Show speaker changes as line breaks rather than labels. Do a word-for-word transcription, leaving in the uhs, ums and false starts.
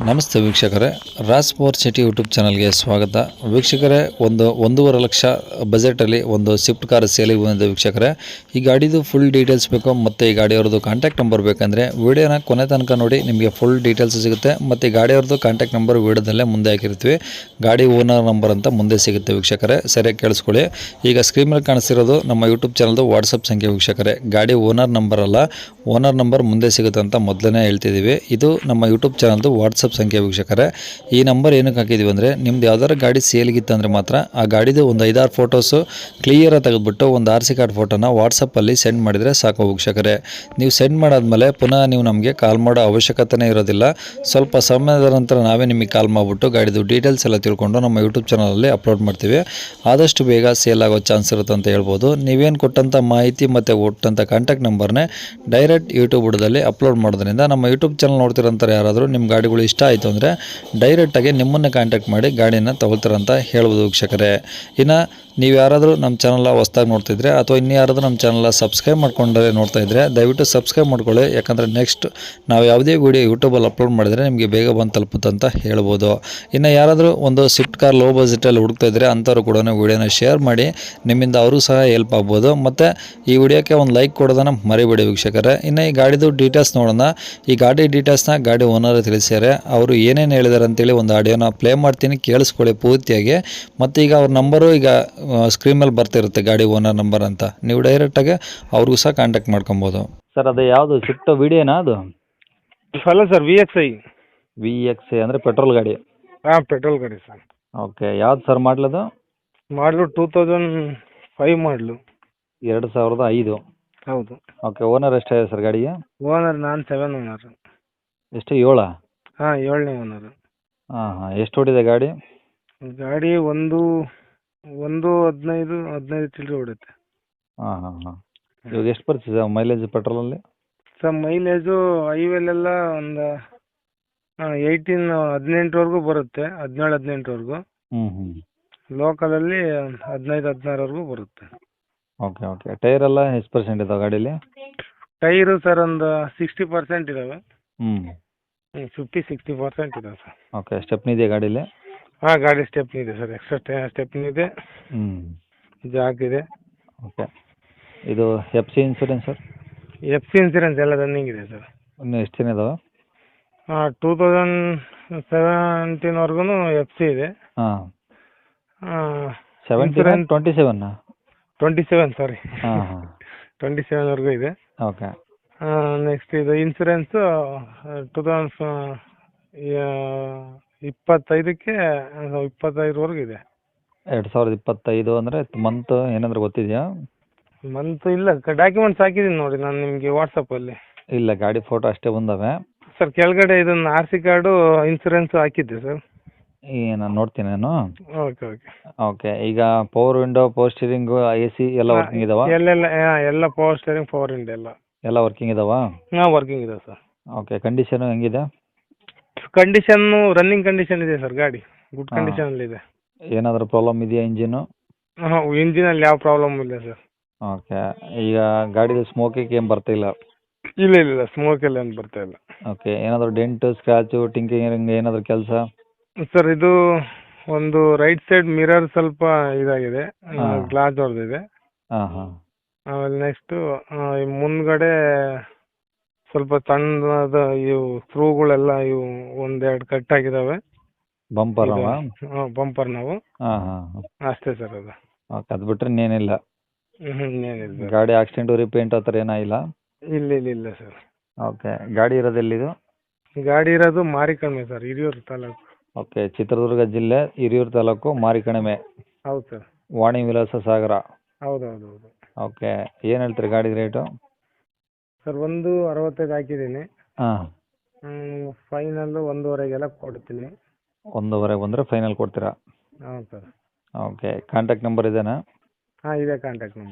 ನಮಸ್ತೆ ವೀಕ್ಷಕರೇ, Raj power city YouTube ಚಾನಲ್ಗೆ ಸ್ವಾಗತ. ವೀಕ್ಷಕರೇ, ಒಂದು ಒಂದೂವರೆ ಲಕ್ಷ ಬಜೆಟಲ್ಲಿ ಒಂದು ಸ್ವಿಫ್ಟ್ ಕಾರ್ ಸೇಲಿಗೆ ಬಂದಿದೆ ವೀಕ್ಷಕರೇ. ಈ ಗಾಡಿದು ಫುಲ್ ಡೀಟೇಲ್ಸ್ ಬೇಕು ಮತ್ತು ಈ ಗಾಡಿಯವ್ರದ್ದು ಕಾಂಟ್ಯಾಕ್ಟ್ ನಂಬರ್ ಬೇಕಂದರೆ ವೀಡಿಯೋನ ಕೊನೆ ತನಕ ನೋಡಿ, ನಿಮಗೆ ಫುಲ್ ಡೀಟೇಲ್ಸ್ ಸಿಗುತ್ತೆ. ಮತ್ತು ಈ ಗಾಡಿಯವ್ರದ್ದು ಕಾಂಟ್ಯಾಕ್ಟ್ ನಂಬರ್ ವೀಡಿಯೋದಲ್ಲೇ ಮುಂದೆ ಹಾಕಿರ್ತೀವಿ. ಗಾಡಿ ಓನರ್ ನಂಬರ್ ಅಂತ ಮುಂದೆ ಸಿಗುತ್ತೆ ವೀಕ್ಷಕರೇ, ಸರಿಯಾಗಿ ಕೇಳಿಸ್ಕೊಳ್ಳಿ. ಈಗ ಸ್ಕ್ರೀನ್ ಮೇಲೆ ಕಾಣಿಸ್ತಿರೋದು ನಮ್ಮ ಯೂಟ್ಯೂಬ್ ಚಾನಲ್ದು ವಾಟ್ಸಪ್ ಸಂಖ್ಯೆ ವೀಕ್ಷಕರೇ. ಗಾಡಿ ಓನರ್ ನಂಬರ್ ಅಲ್ಲ, ಓನರ್ ನಂಬರ್ ಮುಂದೆ ಸಿಗುತ್ತೆ ಅಂತ ಮೊದಲೇ ಹೇಳ್ತಿದ್ದೀವಿ. ಇದು ನಮ್ಮ ಯೂಟ್ಯೂಬ್ ಚಾನಲ್ದು ವಾಟ್ಸಪ್ ಸಂಖ್ಯೆ ವೀಕ್ಷಕರೇ. ಈ ನಂಬರ್ ಏನಕ್ಕೆ ಹಾಕಿದ್ದೀವಿ ಅಂದರೆ, ನಿಮ್ದು ಯಾವ್ದಾರು ಗಾಡಿ ಸೇಲ್ಗಿತ್ತು ಅಂದರೆ ಮಾತ್ರ ಆ ಗಾಡಿದು ಒಂದು ಐದಾರು ಫೋಟೋಸು ಕ್ಲಿಯರಾಗಿ ತೆಗೆದುಬಿಟ್ಟು ಒಂದು ಆರ್ ಸಿ ಕಾರ್ಡ್ ಫೋಟೋನ ವಾಟ್ಸಪ್ಪಲ್ಲಿ ಸೆಂಡ್ ಮಾಡಿದರೆ ಸಾಕು ವೀಕ್ಷಕರೇ. ನೀವು ಸೆಂಡ್ ಮಾಡಾದ್ಮೇಲೆ ಪುನಃ ನೀವು ನಮಗೆ ಕಾಲ್ ಮಾಡೋ ಅವಶ್ಯಕತೆನೇ ಇರೋದಿಲ್ಲ. ಸ್ವಲ್ಪ ಸಮಯದ ನಂತರ ನಾವೇ ನಿಮಗೆ ಕಾಲ್ ಮಾಡಿಬಿಟ್ಟು ಗಾಡಿದು ಡೀಟೇಲ್ಸ್ ಎಲ್ಲ ತಿಳ್ಕೊಂಡು ನಮ್ಮ ಯೂಟ್ಯೂಬ್ ಚಾನಲಲ್ಲಿ ಅಪ್ಲೋಡ್ ಮಾಡ್ತೀವಿ. ಆದಷ್ಟು ಬೇಗ ಸೇಲ್ ಆಗೋ ಚಾನ್ಸ್ ಇರುತ್ತೆ ಅಂತ ಹೇಳ್ಬೋದು. ನೀವೇನು ಕೊಟ್ಟಂಥ ಮಾಹಿತಿ ಮತ್ತು ಕೊಟ್ಟಂಥ ಕಾಂಟ್ಯಾಕ್ಟ್ ನಂಬರ್ನೇ ಡೈರೆಕ್ಟ್ ಯೂಟ್ಯೂಬ್ ಬುಡದಲ್ಲಿ ಅಪ್ಲೋಡ್ ಮಾಡೋದ್ರಿಂದ ನಮ್ಮ ಯೂಟ್ಯೂಬ್ ಚಾನಲ್ ನೋಡ್ತಿರೋಂಥವ್ರು ಯಾರಾದರೂ ನಿಮ್ಮ ಗಾಡಿಗಳು ಇಷ್ಟ ಆಯಿತು ಅಂದರೆ ಡೈರೆಕ್ಟಾಗಿ ನಿಮ್ಮನ್ನು ಕಾಂಟ್ಯಾಕ್ಟ್ ಮಾಡಿ ಗಾಡಿನ ತಗೊಳ್ತಾರಂತ ಹೇಳ್ಬೋದು ವೀಕ್ಷಕರೇ. ಇನ್ನು ನೀವು ಯಾರಾದರೂ ನಮ್ಮ ಚಾನಲ್ ಹೊಸ್ದಾಗಿ ನೋಡ್ತಿದ್ರೆ ಅಥವಾ ಇನ್ನು ಯಾರಾದರೂ ನಮ್ಮ ಚಾನಲ್ ಸಬ್ಸ್ಕ್ರೈಬ್ ಮಾಡ್ಕೊಂಡ್ರೆ ನೋಡ್ತಾ ಇದ್ದರೆ ದಯವಿಟ್ಟು ಸಬ್ಸ್ಕ್ರೈಬ್ ಮಾಡ್ಕೊಳ್ಳಿ. ಯಾಕಂದರೆ ನೆಕ್ಸ್ಟ್ ನಾವು ಯಾವುದೇ ವೀಡಿಯೋ ಯೂಟ್ಯೂಬಲ್ಲಿ ಅಪ್ಲೋಡ್ ಮಾಡಿದರೆ ನಿಮಗೆ ಬೇಗ ಬಂದು ತಲುಪುತ್ತೆ ಅಂತ ಹೇಳ್ಬೋದು. ಇನ್ನು ಯಾರಾದರೂ ಒಂದು ಸ್ವಿಫ್ಟ್ ಕಾರ್ ಲೋ ಬಜೆಟಲ್ಲಿ ಹುಡುಕ್ತಾ ಇದ್ದರೆ ಅಂಥವ್ರು ಕೂಡ ವೀಡಿಯೋನ ಶೇರ್ ಮಾಡಿ, ನಿಮ್ಮಿಂದ ಅವರು ಸಹ ಹೆಲ್ಪ್ ಆಗ್ಬೋದು. ಮತ್ತು ಈ ವಿಡಿಯೋಕ್ಕೆ ಒಂದು ಲೈಕ್ ಕೊಡೋದನ್ನು ಮರಿಬೇಡಿ ವೀಕ್ಷಕರೇ. ಇನ್ನು ಈ ಗಾಡಿದು ಡೀಟೇಲ್ಸ್ ನೋಡೋಣ. ಈ ಗಾಡಿ ಡೀಟೇಲ್ಸ್ನ ಗಾಡಿ ಓನರ್ ತಿಳಿಸ್ಯಾರೆ. ಅವರು ಏನೇನು ಹೇಳಿದ್ದಾರೆ ಅಂತೇಳಿ ಒಂದು ಆಡಿಯೋನ ಪ್ಲೇ ಮಾಡ್ತೀನಿ, ಕೇಳಿಸ್ಕೊಳ್ಳಿ ಪೂರ್ತಿಯಾಗಿ. ಮತ್ತು ಈಗ ಅವ್ರ ನಂಬರು ಈಗ ಸ್ಕ್ರೀನ್ ಮೇಲೆ ಬರ್ತಿರುತ್ತೆ, ಗಾಡಿ ಓನರ್ ನಂಬರ್ ಅಂತ. ನೀವು ಡೈರೆಕ್ಟಾಗಿ ಅವ್ರಿಗೂ ಸಹ ಕಾಂಟ್ಯಾಕ್ಟ್ ಮಾಡ್ಕೊಬೋದು. ಸರ್ ಅದು ಯಾವುದು ಸ್ವಿಫ್ಟ್ ವಿಡಿಯೋನಾ ಅದು?
ಅಲ್ಲ sir, V X I.
V X I ಅಂದರೆ ಪೆಟ್ರೋಲ್ ಗಾಡಿ?
ಹಾಂ, ಪೆಟ್ರೋಲ್ ಗಾಡಿ ಸರ್.
ಓಕೆ, ಯಾವ್ದು ಸರ್ ಮಾಡಲದು?
ಮಾಡಲು ಟೂ ತೌಸಂಡ್ ಫೈವ್ ಮಾಡಲು.
ಎರಡು ಸಾವಿರದ ಐದು?
ಹೌದು.
ಓಕೆ, ಓನರ್ ಎಷ್ಟಾಗಿದೆ ಸರ್ ಗಾಡಿಗೆ?
ಓನರ್ ನಾನು ಸೆವೆನ್ ಓನರ್.
ಎಷ್ಟು, ಏಳ?
ಹಾಂ, ಏಳನೇ ಓನರ್.
ಹಾಂ ಹಾಂ ಎಷ್ಟು ಓಡಿದೆ ಗಾಡಿ?
ಗಾಡಿ ಒಂದು ಒಂದು ಹದಿನೈದು ಹದಿನೈದು ಚಿಲ್ಲರೆ ಹೊಡುತ್ತೆ.
ಹಾಂ ಹಾಂ ಹಾಂ ಇವಾಗ ಎಷ್ಟು ಬರ್ತದೆ ಸರ್ ಮೈಲೇಜ್ ಪೆಟ್ರೋಲಲ್ಲಿ?
ಸರ್ ಮೈಲೇಜು ಹೈವೇಲೆಲ್ಲ ಒಂದು ಏಯ್ಟೀನ್ ಹದಿನೆಂಟರವರೆಗೂ ಬರುತ್ತೆ, ಹದಿನೇಳು ಹದಿನೆಂಟರವರೆಗೂ.
ಹ್ಞೂ ಹ್ಞೂ
ಲೋಕಲಲ್ಲಿ ಹದಿನೈದು ಹದಿನಾರವರೆಗೂ ಬರುತ್ತೆ.
ಓಕೆ ಓಕೆ ಟೈರೆಲ್ಲ ಎಷ್ಟು ಪರ್ಸೆಂಟ್ ಇದಾವೆ ಗಾಡೀಲಿ?
ಟೈರು ಸರ್ ಒಂದು ಸಿಕ್ಸ್ಟಿ ಪರ್ಸೆಂಟ್ ಇದ್ದಾವೆ.
ಹ್ಞೂ
ಹ್ಞೂ ಫಿಫ್ಟಿ ಸಿಕ್ಸ್ಟಿ ಪರ್ಸೆಂಟ್ ಇದಾವೆ ಸರ್.
ಓಕೆ, ಸ್ಟೆಪ್ನಿ ಇದೆಯಾ ಗಾಡೀಲಿ?
ಹಾಂ, ಗಾಡಿ ಸ್ಟೆಪ್ನಿ ಇದೆ ಸರ್, ಎಕ್ಸ್ಟ್ರಾ ಸ್ಟೆಪ್ನಿ ಇದೆ,
ಹ್ಞೂ
ಜಾಕ್ ಇದೆ.
ಓಕೆ, ಇದು F C insurance sir?
F C insurance ಎಲ್ಲ ರನ್ನಿಂಗ್ ಇದೆ ಸರ್.
ಇನ್ನೂ ಎಷ್ಟು ದಿನ ಇದಾವೆ?
ಹಾಂ, ಟೂ ತೌಸಂಡ್ ಸೆವೆಂಟೀನ್ವರೆಗೂ ಎಫ್ ಸಿ ಇದೆ.
ಹಾಂ, ಸೆವೆಂಟೀನ್ ಟ್ವೆಂಟಿ ಸೆವೆನ್ನಾ?
ಟ್ವೆಂಟಿ ಸೆವೆನ್ ಸಾರಿ,
ಹಾಂ ಹಾಂ
ಟ್ವೆಂಟಿ ಸೆವೆನ್ವರೆಗೂ ಇದೆ.
ಓಕೆ.
ನೆಕ್ಸ್ಟ್ ಇದು ಇನ್ಸೂರೆನ್ಸು ಟೂ ತೌಸಂಡ್ ಇಪ್ಪತ್ತೈದಕ್ಕೆ ಇಪ್ಪತ್ತೈದರವರೆಗೂ ಇದೆ.
ಎರಡು ಸಾವಿರದ ಇಪ್ಪತ್ತೈದು ಅಂದರೆ ಮಂತ್ ಏನಾದರೂ ಗೊತ್ತಿದೆಯಾ?
ಮಂತ್ ಇಲ್ಲ, ಡಾಕ್ಯುಮೆಂಟ್ಸ್ ಹಾಕಿದ್ದೀನಿ ನೋಡಿ ನಾನು ನಿಮಗೆ ವಾಟ್ಸಪ್ಪಲ್ಲಿ.
ಇಲ್ಲ, ಗಾಡಿ ಫೋಟೋ ಅಷ್ಟೇ ಬಂದವೆ
ಸರ್. ಕೆಳಗಡೆ ಇದನ್ನು ಆರ್ ಸಿ ಕಾರ್ಡು ಇನ್ಸೂರೆನ್ಸ್ ಹಾಕಿದ್ದೆ ಸರ್.
ಈ ನಾನು ನೋಡ್ತೀನಿ ನಾನು.
ಓಕೆ ಓಕೆ
ಓಕೆ, ಈಗ power window, power steering, A C ಎಲ್ಲ ವರ್ಕಿಂಗ್ ಇದಾವ?
ಎಲ್ಲೆಲ್ಲ ಎಲ್ಲ ಪವರ್ ಸ್ಟೇರಿಂಗ್, ಪವರ್ ವಿಂಡೋ ಎಲ್ಲ
ಎಲ್ಲ ವರ್ಕಿಂಗ್ ಇದಾವ?
ಹಾಂ, ವರ್ಕಿಂಗ್ ಇದೆ ಸರ್.
ಓಕೆ, ಕಂಡೀಷನು ಹೆಂಗಿದೆ?
ಕಂಡೀಷನ್ನು ರನ್ನಿಂಗ್ ಕಂಡೀಷನ್ ಇದೆ ಸರ್, ಗಾಡಿ ಗುಡ್ ಕಂಡೀಷನಲ್ಲಿ ಇದೆ.
ಏನಾದರೂ ಪ್ರಾಬ್ಲಮ್ ಇದೆಯಾ ಇಂಜಿನು?
ಹಾಂ, ಇಂಜಿನಲ್ಲಿ ಯಾವ ಪ್ರಾಬ್ಲಮ್ ಇಲ್ಲ ಸರ್.
ಓಕೆ, ಈಗ ಗಾಡಿದು ಸ್ಮೋಕಿಂಗ್ ಏನು ಬರ್ತಾ ಇಲ್ಲ?
ಇಲ್ಲ ಇಲ್ಲ ಇಲ್ಲ ಸ್ಮೋಕ್ ಎಲ್ಲ ಏನು ಬರ್ತಾ ಇಲ್ಲ.
ಓಕೆ, ಏನಾದರೂ ಡೆಂಟು, ಸ್ಕ್ರ್ಯಾಚು, ಟಿಂಕರಿಂಗ್ ಏನಾದರೂ ಕೆಲಸ?
ಸರ್ ಇದು ಒಂದು ರೈಟ್ ಸೈಡ್ ಮಿರರ್ ಸ್ವಲ್ಪ ಇದಾಗಿದೆ,
ಹಾಂ.
ಗ್ಲಾಸ್ ಹೊಡೆದಿದೆ.
ಹಾಂ ಹಾಂ
ಆಮೇಲೆ ನೆಕ್ಸ್ಟು ಮುಂದ್ಗಡೆ ಸ್ವಲ್ಪ ಸಣ್ಣದ ಇವು ಸ್ಕ್ರೂಗಳೆಲ್ಲ ಇವು ಒಂದೆರಡು ಕಟ್ ಆಗಿದ್ದಾವೆ.
ಬಂಪರ್ ಅವ?
ಬಂಪರ್ ನಾವು
ಹಾಂ ಹಾಂ
ಅಷ್ಟೇ ಸರ್ ಅದು.
ಓಕೆ, ಅದು ಬಿಟ್ಟರೆ ಇನ್ನೇನಿಲ್ಲ?
ಹ್ಞೂ ಏನಿಲ್ಲ.
ಗಾಡಿ ಆಕ್ಸಿಡೆಂಟು, ರಿಪೇಂಟ್ ಆ ಥರ ಏನಾಗಿಲ್ಲ?
ಇಲ್ಲ ಇಲ್ಲ ಇಲ್ಲ ಸರ್.
ಓಕೆ, ಗಾಡಿ ಇರೋದು ಎಲ್ಲಿದು?
ಗಾಡಿ ಇರೋದು ಮಾರಿಕಣಿವೆ ಸರ್, ಹಿರಿಯೂರು ತಾಲೂಕು.
ಓಕೆ, ಚಿತ್ರದುರ್ಗ ಜಿಲ್ಲೆ ಹಿರಿಯೂರು ತಾಲೂಕು ಮಾರಿಕಣಿವೆ.
ಹೌದು ಸರ್.
ವಾಣಿ ವಿಲಾಸ ಸಾಗರ.
ಹೌದು ಹೌದು ಹೌದು.
ಓಕೆ, ಏನು ಹೇಳ್ತೀರಿ ಗಾಡಿ ರೇಟು?
ಸರ್ ಒಂದು ಅರವತ್ತೈದು ಹಾಕಿದ್ದೀನಿ.
ಹಾಂ,
ಫೈನಲ್ಲು ಒಂದೂವರೆಗೆಲ್ಲ ಕೊಡ್ತೀನಿ.
ಒಂದೂವರೆ ಬಂದರೆ ಫೈನಲ್ ಕೊಡ್ತೀರಾ?
ಹೌದು ಸರ್.
ಓಕೆ, ಕಾಂಟ್ಯಾಕ್ಟ್ ನಂಬರ್ ಇದೇನಾ?
ಹಾಂ, ಇದೆ ಕಾಂಟ್ಯಾಕ್ಟ್ ನಂಬರ್.